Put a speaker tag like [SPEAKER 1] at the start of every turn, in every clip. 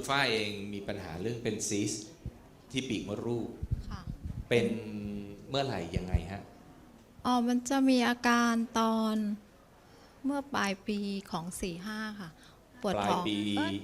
[SPEAKER 1] คุณฝ้ายเองมีปัญหาเรื่องเป็นซีสต์ที่ปีกมดลูก
[SPEAKER 2] ค่ะ
[SPEAKER 1] เป็นเมื่อไหร่ยังไงฮะ
[SPEAKER 2] มันจะมีอาการตอนเมื่อปลายปีของ45ค่ะปวด
[SPEAKER 1] ปลาย
[SPEAKER 2] ท้อง
[SPEAKER 1] ปี
[SPEAKER 2] เอ้ย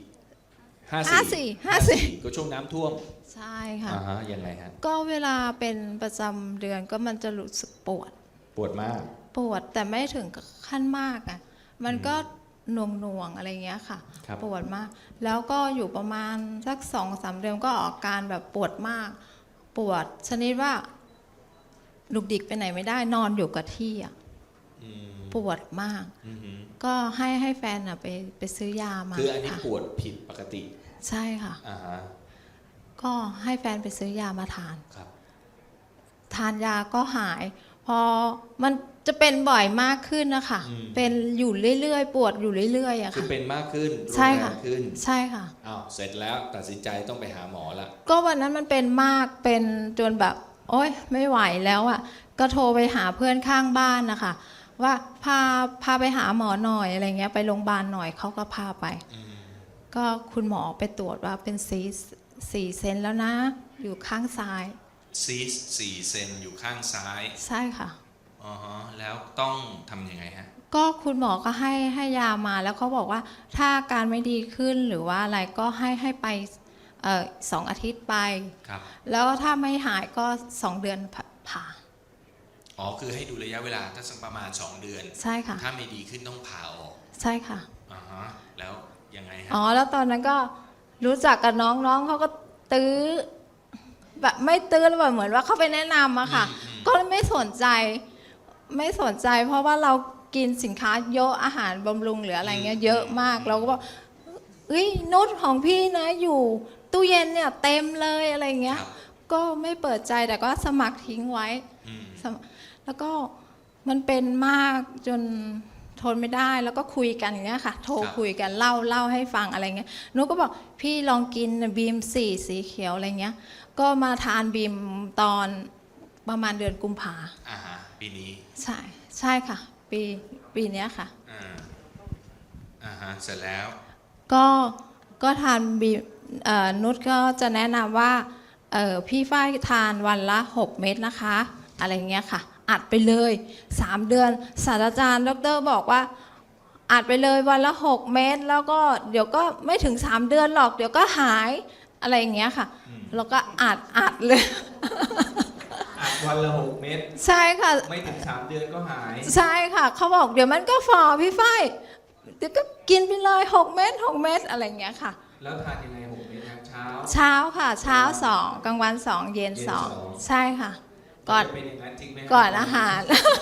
[SPEAKER 1] 54ก็ช่วงน้ำท่วม
[SPEAKER 2] ใช่ค่ะ
[SPEAKER 1] อ่าฮะยังไงฮะ
[SPEAKER 2] ก็เวลาเป็นประจำเดือนก็มันจะรู้สึกปวด
[SPEAKER 1] ปวดมาก
[SPEAKER 2] ปวดแต่ไม่ถึงกับขั้นมากอ่ะมันก็หน่วงๆอะไรเงี้ยค่ะ
[SPEAKER 1] ครับ
[SPEAKER 2] ปวดมาก แล้วก็อยู่ประมาณสัก2-3 เดือนก็ออกอาการแบบปวดมาก ปวดชนิดว่าลุกดิกไปไหนไม่ได้นอนอยู่กับที่อ่ะ
[SPEAKER 1] อืม
[SPEAKER 2] ปวดมาก
[SPEAKER 1] อือหือ
[SPEAKER 2] ก็ให้แฟนไปซื้อยามา
[SPEAKER 1] คืออันนี้
[SPEAKER 2] ค่ะ
[SPEAKER 1] ปวดผิดปกติ
[SPEAKER 2] ใช่ค่ะ
[SPEAKER 1] อ่าฮะ
[SPEAKER 2] ก็ให้แฟนไปซื้อยามาทาน
[SPEAKER 1] ครับ
[SPEAKER 2] ทานยาก็หาย พอมันจะเป็นบ่อยมากขึ้นนะคะเป็นอยู่เรื่อยๆปวดอยู่เรื่อยๆอะ
[SPEAKER 1] คือ
[SPEAKER 2] ค่ะ
[SPEAKER 1] เป็นมากขึ้นรุน
[SPEAKER 2] ใช่
[SPEAKER 1] แร
[SPEAKER 2] ค่ะ
[SPEAKER 1] งขึ้น
[SPEAKER 2] ใช่ค่ะ
[SPEAKER 1] อ้าวเสร็จแล้วตัดสินใจต้องไปหาหมอละ
[SPEAKER 2] ก็วันนั้นมันเป็นมากเป็นจนแบบ โอ๊ยไม่ไหวแล้วอะก็โทรไปหาเพื่อนข้างบ้านนะคะว่าพาไปหาหมอหน่อยอะไรเงี้ยไปโรงพยาบาลหน่อยเขาก็พาไป ก็คุณหมอไปตรวจว่าเป็นซีสต์4 เซนแล้วนะ อยู่ข้างซ้าย
[SPEAKER 1] ซีสต์4 เซนอยู่ข้างซ้าย
[SPEAKER 2] ใช่ค่ะ
[SPEAKER 1] อ๋อฮะแล้วต้องทำยังไงฮะ
[SPEAKER 2] ก็คุณหมอก็ให้ยามาแล้วเขาบอกว่าถ้าอาการไม่ดีขึ้นหรือว่าอะไรก็ให้ไป2 อาทิตย์ไป
[SPEAKER 1] ครับ
[SPEAKER 2] แล้วถ้าไม่หายก็2 เดือนผ่า
[SPEAKER 1] อ๋อคือให้ดูระยะเวลาถ้าสักประมาณ2 เดือน
[SPEAKER 2] ใช่ค่ะ
[SPEAKER 1] ถ้าไม่ดีขึ้นต้องผ่าออก
[SPEAKER 2] ใช่ค่ะ
[SPEAKER 1] อ่าฮะแล้วยังไงฮะ
[SPEAKER 2] อ๋อแล้วตอนนั้นก็รู้จักกับน้องเขาก็ตื้อแบบไม่ตื้อแล้วแบบเหมือนว่าเขาไปแนะนำอะค่ะ ก็ไม่สนใจเพราะว่าเรากินสินค้าเยอะอาหารบำรุงหรืออะไรเงี้ยเยอะมากเราก็บอกเฮ้ยนุชของพี่นะอยู่ตู้เย็นเนี่ยเต็มเลยอะไรเงี้ย
[SPEAKER 1] ครับ
[SPEAKER 2] ก็ไม่เปิดใจแต่ก็สมัครทิ้งไว้
[SPEAKER 1] อืม
[SPEAKER 2] แล้วก็มันเป็นมากจนทนไม่ได้แล้วก็คุยกันอย่างเงี้ยค่ะ โทรคุยกันเล่าให้ฟังอะไรเงี้ยหนูก็บอกพี่ลองกินบีม4 สีเขียวอะไรเงี้ยก็มาทานบีมตอนประมาณเดือนกุมภา
[SPEAKER 1] อ่าฮะปีนี้
[SPEAKER 2] ใช่ค่ะ ปีเนี้ยค่ะ
[SPEAKER 1] อ่าฮะเสร็จแล้ว
[SPEAKER 2] ก็ทานบีมนุชก็จะแนะนำว่าพี่ฝ้ายทานวันละ6 เม็ดนะคะอะไรเงี้ยค่ะอัดไปเลย3 เดือนศาสตราจารย์ดรบอกว่าอัดไปเลยวันละ6 เม็ดแล้วก็เดี๋ยวก็ไม่ถึง3 เดือนหรอกเดี๋ยวก็หายอะไรอย่างเงี้ยค่ะแล้วก็อัดเลย
[SPEAKER 1] อัดวันละ6 เม็ด
[SPEAKER 2] ใช่ค่ะ
[SPEAKER 1] ไม่ถึง3 เดือนก็หาย
[SPEAKER 2] ใช่ค่ะเขาบอกเดี๋ยวมันก็ฟอพี่ฝ้ายเดี๋ยวก็กินไปเลย6 เม็ด6 เม็ดอะไรอย่างเงี้ยค่ะ
[SPEAKER 1] แล้วทานยังไง6 เม็ดครับเช้า
[SPEAKER 2] เช้าค่ะเช้า2กลางวัน2เย็น
[SPEAKER 1] เย็นสอง
[SPEAKER 2] 2ใช่ค่ะก่อน
[SPEAKER 1] จะเป็นอย่างนั้นจริงไหมครับ
[SPEAKER 2] ก่อนอาหาร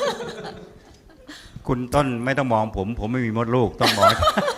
[SPEAKER 3] คุณต้นไม่ต้องมองผมไม่มีมดลูกต้องมอง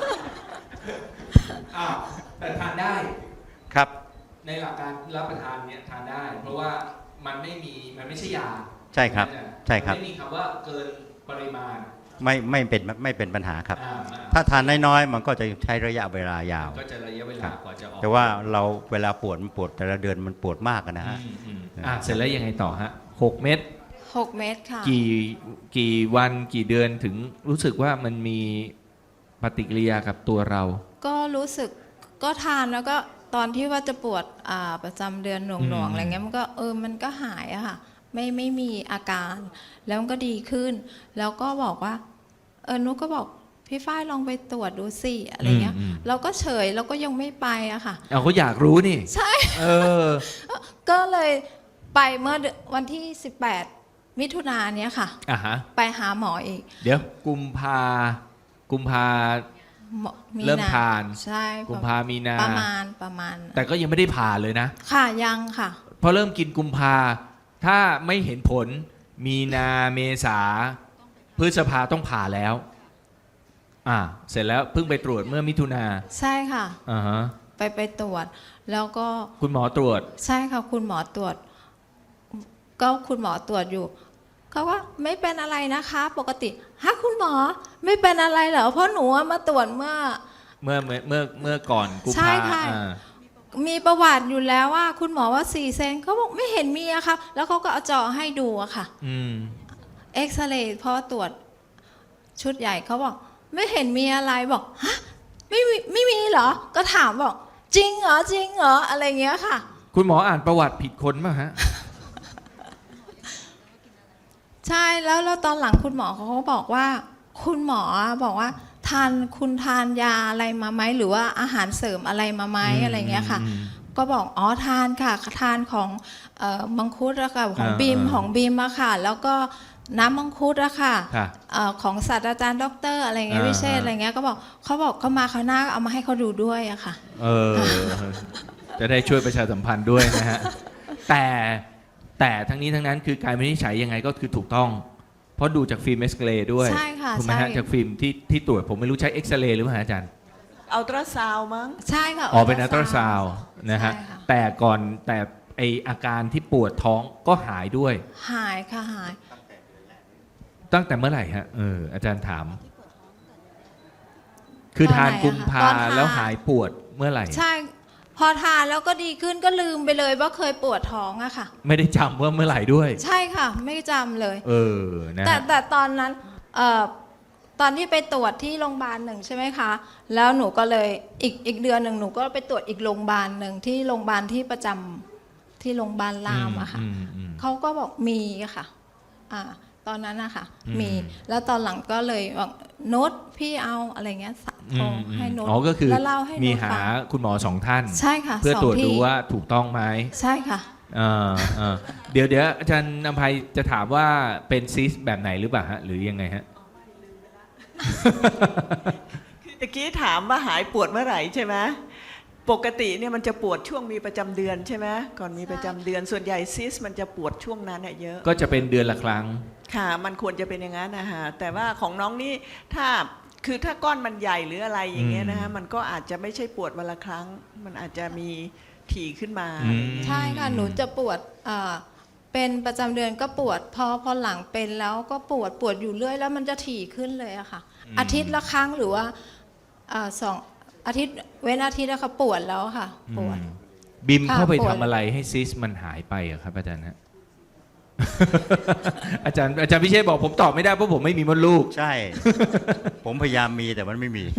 [SPEAKER 1] อ้าวแต่ทานได้
[SPEAKER 3] ครับ
[SPEAKER 1] ในหลักการรับประทานเนี่ยทานได้ เพราะว่ามันไม่ใช่ยา
[SPEAKER 3] ใช่ครับ ใช่ครับ
[SPEAKER 1] ไม่มีคำว่าเกินปริมาณ
[SPEAKER 3] ไม่เป็นปัญหาครับ
[SPEAKER 1] อ่า
[SPEAKER 3] ถ้าทานน้อยๆมันก็จะใช้ระยะเวลายาว
[SPEAKER 1] ก็จะระยะเวลากว่าจะออก
[SPEAKER 3] แต่ว่าเราเวลาปวดมันปวดแต่ละเดือนมันปวดมากอะนะฮะ
[SPEAKER 1] เสร็จแล้วยังไงต่อฮะ6 เม็ด
[SPEAKER 2] 6 เม็ดค่ะ
[SPEAKER 1] กี่วันกี่เดือนถึงรู้สึกว่ามันมีปฏิกิริยากับตัวเรา
[SPEAKER 2] ก็รู้สึกก็ทานแล้วก็ตอนที่ว่าจะปวดประจำเดือนหน่วงๆอะไรเงี้ยมันก็มันก็หายอะค่ะไม่มีอาการ แล้วมันก็ดีขึ้น แล้วก็บอกว่านุกก็บอกพี่ฝ้ายลองไปตรวจดูสิอะไรเงี้ยเราก็เฉยเราก็ยังไม่ไปอะค่ะ
[SPEAKER 1] เอาก็อยากรู้นี่
[SPEAKER 2] ใช่
[SPEAKER 1] เออ
[SPEAKER 2] ก็เลยไปเมื่อวันที่18 มิถุนายนเนี้ยค่ะ
[SPEAKER 1] อ่ะฮะ
[SPEAKER 2] ไปหาหมออีก
[SPEAKER 1] เดี๋ยวกุมภา
[SPEAKER 2] หมอมี
[SPEAKER 1] เริ่มทาน
[SPEAKER 2] ใช่
[SPEAKER 1] กุมภามีนา
[SPEAKER 2] ประมาณ
[SPEAKER 1] แต่ก็ยังไม่ได้ผ่าเลยนะ
[SPEAKER 2] ค่ะยังค่ะ
[SPEAKER 1] พอเริ่มกินกุมภาถ้าไม่เห็นผลมีนาเมษาพฤษภาต้องผ่าแล้วเสร็จแล้วเพิ่งไปตรวจเมื่อมิถุนา
[SPEAKER 2] ใช่ค่ะ
[SPEAKER 1] อ่าฮะ
[SPEAKER 2] ไปตรวจ แล้วก็
[SPEAKER 1] คุณหมอตรวจ
[SPEAKER 2] ใช่ค่ะคุณหมอตรวจ ก็คุณหมอตรวจอยู่เขาว่าไม่เป็นอะไรนะคะ ปกติฮะคุณหมอไม่เป็นอะไรเหรอเพราะหนูมาตรวจเมื่อ
[SPEAKER 1] ก่อนกุม
[SPEAKER 2] ใช่
[SPEAKER 1] ภา
[SPEAKER 2] ค่ะ มีประวัติอยู่แล้วว่า คุณหมอว่า4 เซนเขาบอกไม่เห็นมีอะค่ะแล้วเขาก็เอาจอให้ดูอะค่ะ เอ็กซเรย์พอตรวจชุดใหญ่เขาบอกไม่เห็นมีอะไรบอกฮะไม่มีเหรอก็ถามบอกจริงเหรอจริงเหรออะไรเงี้ยค่ะ
[SPEAKER 1] คุณหมออ่านประวัติผิดคนป่ะฮะ
[SPEAKER 2] ใช่แล้วตอนหลังคุณหมอเขาก็บอกว่า คุณหมอบอกว่าคุณทานยาอะไรมาไหมหรือว่าอาหารเสริมอะไรมาไหมอะไรเงี้ยค่ะ ก็บอกอ๋อทานค่ะทานของมังคุดอะค่ะของบีมของบีมอะค่ะ แล้วก็น้ำมังคุดอะค่ะ
[SPEAKER 1] ค่ะ
[SPEAKER 2] ของศาสตราจารย์ด็อกเตอร์อะไรเงี้ยวิเชษฐ์อะไรเงี้ยก็บอกเขามาคราวหน้าเอามาให้เขาดูด้วยอะค่ะ
[SPEAKER 1] เออ จะได้ช่วยประชาสัมพันธ์ด้วยนะฮะ แต่ทั้งนี้ทั้งนั้นคือการวินิจฉัยยังไงก็คือถูกต้อง เพราะดูจากฟิล์มเอ็กซเรย์ด้วย
[SPEAKER 2] ใช่ค่ะ
[SPEAKER 1] ถูกไหมฮะ
[SPEAKER 2] ใช่
[SPEAKER 1] จากฟิล์มที่ตรวจผมไม่รู้ใช้เอ็กซเรย์หรือเปล่าอาจารย์
[SPEAKER 4] อัลตราซาวด์มั้ง
[SPEAKER 2] ใช่ค่ะ
[SPEAKER 1] อ๋อเป็นอัลตราซาวด์นะฮะ
[SPEAKER 2] ใช่ค่ะ
[SPEAKER 1] แต่ไออาการที่ปวดท้องก็หายด้วย
[SPEAKER 2] หายค่ะหาย
[SPEAKER 1] ตั้งแต่เมื่อไหร่ฮะอาจารย์ถาม คือทานกุมภาแล้วหายปวดเมื่อไหร่
[SPEAKER 2] ใช่ พอทานแล้วก็ดีขึ้นก็ลืมไปเลยว่าเคยปวดท้องอะค่ะ
[SPEAKER 1] ไม่ได้จำว่าเมื่อไหร่ด้วย
[SPEAKER 2] ใช่ค่ะ ไม่จำเลย
[SPEAKER 1] นะ
[SPEAKER 2] แต่
[SPEAKER 1] ฮะ
[SPEAKER 2] แต่ตอนนั้นตอนที่ไปตรวจที่โรงพยาบาลหนึ่งใช่ไหมคะ แล้วหนูก็เลยอีกเดือนหนึ่งหนูก็ไปตรวจอีกโรงพยาบาลหนึ่งที่โรงพยาบาลที่ประจำที่โรงพยาบาลรามอะค่ะ เขาก็บอกมีอะค่ะตอนนั้นนะคะมี แล้วตอนหลังก็เลยบอกโน้ตพี่เอาอะไรเงี้ยโทรให้โน้ต
[SPEAKER 1] อ๋อก็คือ
[SPEAKER 2] แล้วเล่าให้โน้ต
[SPEAKER 1] มีหา
[SPEAKER 2] ฟัง
[SPEAKER 1] คุณหมอสองท่าน
[SPEAKER 2] ใช่ค่ะ
[SPEAKER 1] เพื่อ
[SPEAKER 2] สง
[SPEAKER 1] ตรวจ
[SPEAKER 2] ที่
[SPEAKER 1] ดูว่าถูกต้องไหม
[SPEAKER 2] ใช่ค่ะ
[SPEAKER 1] เดี๋ยวอาจารย์นภัยจะถามว่าเป็นซิสแบบไหนหรือเปล่าฮะหรือยังไงฮะ
[SPEAKER 4] คือตะกี้ถามว่าหายปวดเมื่อไหร่ใช่ไหมปกติเนี่ยมันจะปวดช่วงมีประจำเดือนใช่ไหมก่อนมีประจำเดือนส่วนใหญ่ซิสมันจะปวดช่วงนั้นเยอะ
[SPEAKER 1] ก็จะเป็นเดือนละครั้ง
[SPEAKER 4] ค่ะมันควรจะเป็นอย่างนั้นนะฮะแต่ว่าของน้องนี่ถ้าก้อนมันใหญ่หรืออะไรอย่างเงี้ยนะฮะมันก็อาจจะไม่ใช่ปวดวันละครั้ง มันอาจจะมีถี่ขึ้นมา
[SPEAKER 2] ใช่ค่ะ หนูจะปวดเป็นประจำเดือนก็ปวดพอหลังเป็นแล้วก็ปวดอยู่เรื่อยแล้วมันจะถี่ขึ้นเลยอะค่ะ อาทิตย์ละครั้งหรือว่า2 อาทิตย์เว้นอาทิตย์แล้วค่ะปวดแล้วค่ะปวด
[SPEAKER 1] บิม
[SPEAKER 2] ค่ะ
[SPEAKER 1] เข้าไป
[SPEAKER 2] ปวด
[SPEAKER 1] ทำอะไรให้ซิสมันหายไปอะครับอาจารย์ฮะ อาจารย์พิเชษบอกผมตอบไม่ได้เพราะผมไม่มีมดลูก
[SPEAKER 3] ใช่ ผมพยายามมีแต่มันไม่มี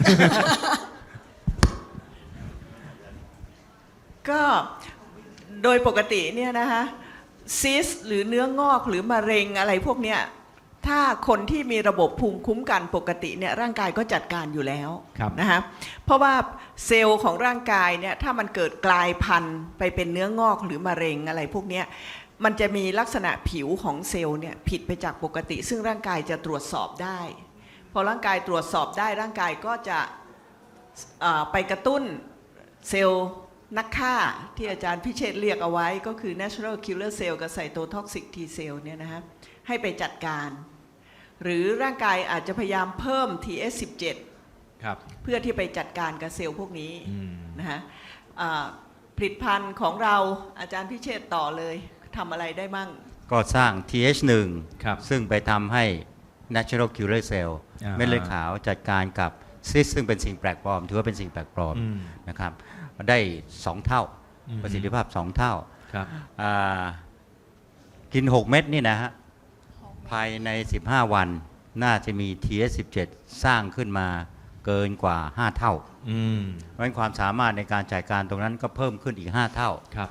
[SPEAKER 4] ก็โดยปกติเนี่ยนะคะซิสหรือเนื้องอกหรือมะเร็งอะไรพวกเนี้ยถ้าคนที่มีระบบภูมิคุ้มกันปกติเนี่ยร่างกายก็จัดการอยู่แล้ว
[SPEAKER 1] ครับ
[SPEAKER 4] นะคะเพราะว่าเซลล์ของร่างกายเนี่ยถ้ามันเกิดกลายพันธุ์ไปเป็นเนื้องอกหรือมะเร็งอะไรพวกเนี้ยมันจะมีลักษณะผิวของเซลล์เนี่ยผิดไปจากปกติ ซึ่งร่างกายจะตรวจสอบได้พอร่างกายตรวจสอบได้ร่างกายก็จะไปกระตุ้นเซลล์นักฆ่าที่อาจารย์พิเชษฐ์เรียกเอาไว้ก็คือ natural killer cell กับ cytotoxic T cell เนี่ยนะฮะให้ไปจัดการ หรือร่างกายอาจจะพยายามเพิ่ม TS17
[SPEAKER 1] ครับ
[SPEAKER 4] เพื่อที่ไปจัดการกับเซลล์พวกนี้นะฮะผลิตภัณฑ์ของเราอาจารย์พิเชษฐ์ต่อเลยทำอะไรได้มั่ง
[SPEAKER 3] ก็สร้าง TH1
[SPEAKER 1] ครับ
[SPEAKER 3] ซึ่งไปทำให้ natural killer cell
[SPEAKER 1] อ่า
[SPEAKER 3] เม็ดเลือดขาวจัดการกับซิสซึ่งเป็นสิ่งแปลกปลอมถือว่าเป็นสิ่งแปลกปลอมนะครับได้ 2 เท่าประสิทธิภาพ 2 เท่า
[SPEAKER 1] ครับ
[SPEAKER 3] อ่ากิน 6 เม็ดนี่นะฮะภายใน 15 วันน่าจะมี TS17 สร้างขึ้นมาเกินกว่า 5 เท่าเพราะฉะนั้นความสามารถในการจัดการตรงนั้นก็เพิ่มขึ้นอีก 5 เท่า
[SPEAKER 1] ครับ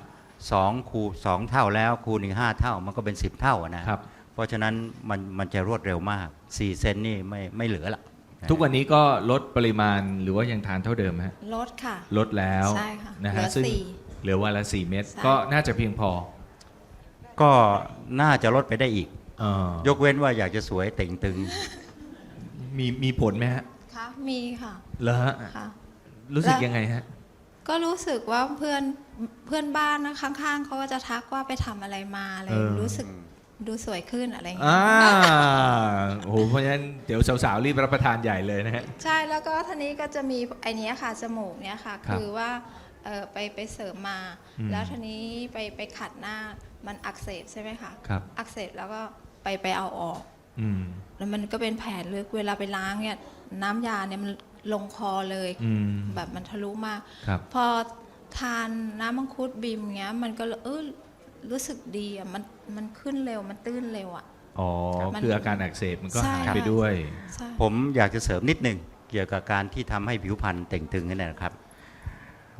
[SPEAKER 3] 2 เท่าแล้วคูณอีก5 เท่ามันก็เป็น 10 เท่านะครับ เพราะฉะนั้นมันจะรวดเร็วมาก 4 เซนนี่ไม่เหลือละ
[SPEAKER 1] ทุกวันนี้ก็ลดปริมาณหรือว่ายังทานเท่าเดิมฮะ
[SPEAKER 2] ลดค่ะ
[SPEAKER 1] ลดแล้ว
[SPEAKER 2] ใช่ค่ะ
[SPEAKER 1] นะฮะ
[SPEAKER 2] เหลือ
[SPEAKER 1] ซึ่ง
[SPEAKER 2] สี่
[SPEAKER 1] เหลือวันละ 4 เม็ด
[SPEAKER 2] ใช่
[SPEAKER 1] ก็น่าจะเพียงพอ
[SPEAKER 3] ก็น่าจะลดไปได้อีก
[SPEAKER 1] เออย
[SPEAKER 3] กเว้นว่าอยากจะสวยเต่งตึง
[SPEAKER 1] มีผลไหมฮะ
[SPEAKER 2] ค่ะมีค่ะ
[SPEAKER 1] เหรอฮะ
[SPEAKER 2] ค่ะ
[SPEAKER 1] รู้สึกยังไงฮะ
[SPEAKER 2] ก็รู้สึกว่าเพื่อนบ้านนะข้างๆเขาก็จะทักว่าไปทำอะไรมาอะไรรู้สึกดูสวยขึ้นอะไรอย่างเงี้
[SPEAKER 1] อ่าย โอ้โหเพราะฉะนั้นเดี๋ยวสาวๆรีบรับประทานใหญ่เลยนะฮะ
[SPEAKER 2] ใช่แล้วก็ทีนี้ก็จะมีไอเนี้ยค่ะจมูกเนี้ยค่ะ
[SPEAKER 1] ครับ
[SPEAKER 2] คือว่าไปเสริมมา แล้วทีนี้ไปขัดหน้ามันอักเสบใช่ไหมคะ
[SPEAKER 1] ครับ
[SPEAKER 2] อักเสบแล้วก็ไปเอาออก
[SPEAKER 1] อืม
[SPEAKER 2] แล้วมันก็เป็นแผลลึกเวลาไปล้างเนี่ยน้ำยาเนี่ยมันลงคอเลย
[SPEAKER 1] อืม
[SPEAKER 2] แบบมันทะลุมาก
[SPEAKER 1] ครับ
[SPEAKER 2] พอทานน้ำมังคุดบีมเงี้ยมันก็รู้สึกดีอ่ะมันขึ้นเร็วมันตื้นเร็วอ่ะ
[SPEAKER 1] อ๋อ
[SPEAKER 2] มัน
[SPEAKER 1] คืออาการอักเสบมันก็
[SPEAKER 2] ใช่
[SPEAKER 1] หาย
[SPEAKER 2] ค่ะ
[SPEAKER 1] ไปด้วย
[SPEAKER 2] ใช่
[SPEAKER 3] ผมอยากจะเสริมนิดหนึ่งเกี่ยวกับการที่ทำให้ผิวพรรณเต่งตึงนั่นแหละครับ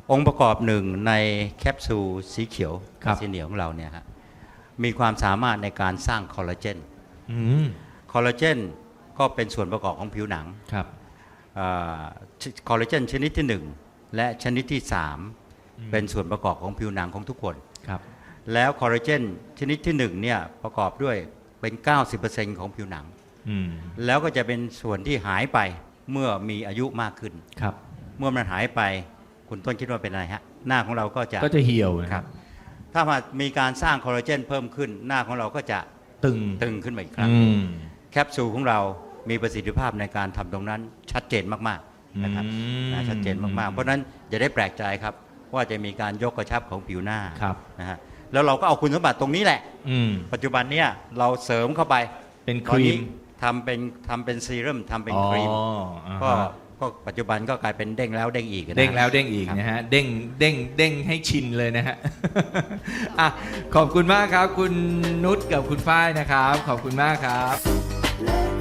[SPEAKER 3] องค์ประกอบหนึ่งในแคปซูลสีเขียว
[SPEAKER 1] ครับ
[SPEAKER 3] สีเหนียวของเราเนี่ยฮะมีความสามารถในการสร้างคอลลาเจน
[SPEAKER 1] อืม
[SPEAKER 3] คอลลาเจนก็เป็นส่วนประกอบของผิวหนัง
[SPEAKER 1] ครับ
[SPEAKER 3] คอลลาเจนชนิดที่ 1 และชนิดที่ 3 เป็นส่วนประกอบของผิวหนังของทุกคน
[SPEAKER 1] ครับ
[SPEAKER 3] แล้วคอลลาเจนชนิดที่1เนี่ยประกอบด้วยเป็น 90% ของผิวหนัง
[SPEAKER 1] อืม
[SPEAKER 3] แล้วก็จะเป็นส่วนที่หายไปเมื่อมีอายุมากขึ้น
[SPEAKER 1] ครับ
[SPEAKER 3] เมื่อมันหายไปคุณต้นคิดว่าเป็นอะไรฮะหน้าของเราก็จะ
[SPEAKER 1] ก็จะเหี่ยวนะ
[SPEAKER 3] ค
[SPEAKER 1] ค
[SPEAKER 3] รั
[SPEAKER 1] รับ บ
[SPEAKER 3] ถ้ามามีการสร้างคอลลาเจนเพิ่มขึ้น หน้าของเราก็จะ
[SPEAKER 1] ตึง
[SPEAKER 3] ตึงขึ้นมาอีกครั้ง
[SPEAKER 1] อืม
[SPEAKER 3] แคปซูลของเรามีประสิทธิภาพในการทำตรงนั้นชัดเจนมากๆนะครับ
[SPEAKER 1] อืม
[SPEAKER 3] นะชัดเจนมากๆ เพราะฉะนั้นอย่าได้แปลกใจครับว่าจะมีการยกกระชับของผิวหน้า
[SPEAKER 1] ครับ
[SPEAKER 3] นะฮะแล้วเราก็เอาคุณสมบัติตรงนี้แหละ
[SPEAKER 1] อืม
[SPEAKER 3] ปัจจุบันเนี้ยเราเสริมเข้าไป
[SPEAKER 1] เป็นค
[SPEAKER 3] ตอน
[SPEAKER 1] รี
[SPEAKER 3] นี้
[SPEAKER 1] ม
[SPEAKER 3] ทำเป็นซีรั่มทำเป็นครีม
[SPEAKER 1] อ๋ออ่า
[SPEAKER 3] ก็
[SPEAKER 1] ฮะ
[SPEAKER 3] ก็ปัจจุบันก็กลายเป็นเด้งแล้วเด้งอีกนะ
[SPEAKER 1] เด้งแล้วเด้งอีก
[SPEAKER 3] ครับ
[SPEAKER 1] นะฮะ เด้งเด้งเด้งให้ชินเลยนะฮะ อ่ะขอบคุณมากครับ คุณนุชกับคุณฝ้ายนะครับ ขอบคุณมากครับ